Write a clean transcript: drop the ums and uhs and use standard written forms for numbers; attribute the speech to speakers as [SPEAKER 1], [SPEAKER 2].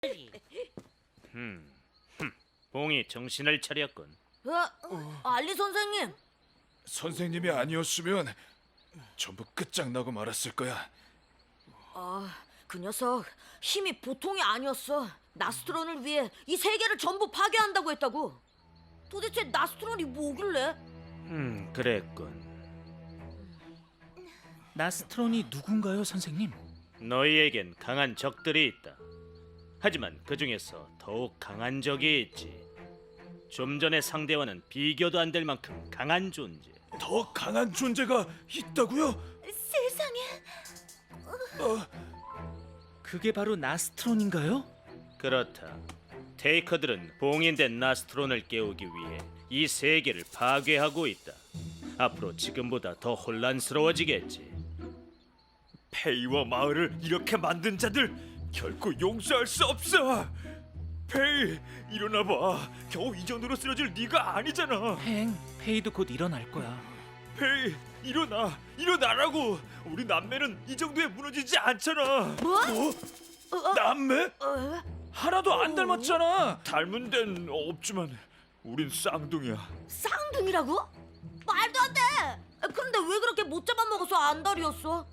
[SPEAKER 1] 봉이 정신을 차렸군.
[SPEAKER 2] 알리 선생님.
[SPEAKER 3] 선생님이 아니었으면 전부 끝장나고 말았을 거야.
[SPEAKER 2] 그 녀석 힘이 보통이 아니었어. 나스트론을 위해 이 세계를 전부 파괴한다고 했다고. 도대체 나스트론이 뭐길래?
[SPEAKER 1] 그랬군.
[SPEAKER 4] 나스트론이 누군가요, 선생님?
[SPEAKER 1] 너희에겐 강한 적들이 있다. 하지만 그 중에서 더욱 강한 적이 있지. 좀 전의 상대와는 비교도 안 될 만큼 강한 존재.
[SPEAKER 3] 더 강한 존재가 있다고요?
[SPEAKER 2] 세상에.
[SPEAKER 4] 그게 바로 나스트론인가요?
[SPEAKER 1] 그렇다. 테이커들은 봉인된 나스트론을 깨우기 위해 이 세계를 파괴하고 있다. 앞으로 지금보다 더 혼란스러워지겠지.
[SPEAKER 3] 페이와 마을을 이렇게 만든 자들 결코 용서할 수 없어. 페이, 일어나봐. 겨우 이 정도로 쓰러질 네가 아니잖아.
[SPEAKER 4] 페이도 곧 일어날 거야.
[SPEAKER 3] 페이, 일어나라고. 우리 남매는 이 정도에 무너지지 않잖아.
[SPEAKER 2] 뭐?
[SPEAKER 3] 남매? 하나도 안 닮았잖아. 닮은 데는 없지만 우린 쌍둥이야.
[SPEAKER 2] 쌍둥이라고? 말도 안 돼. 그런데 왜 그렇게 못 잡아먹어서 안달이었어?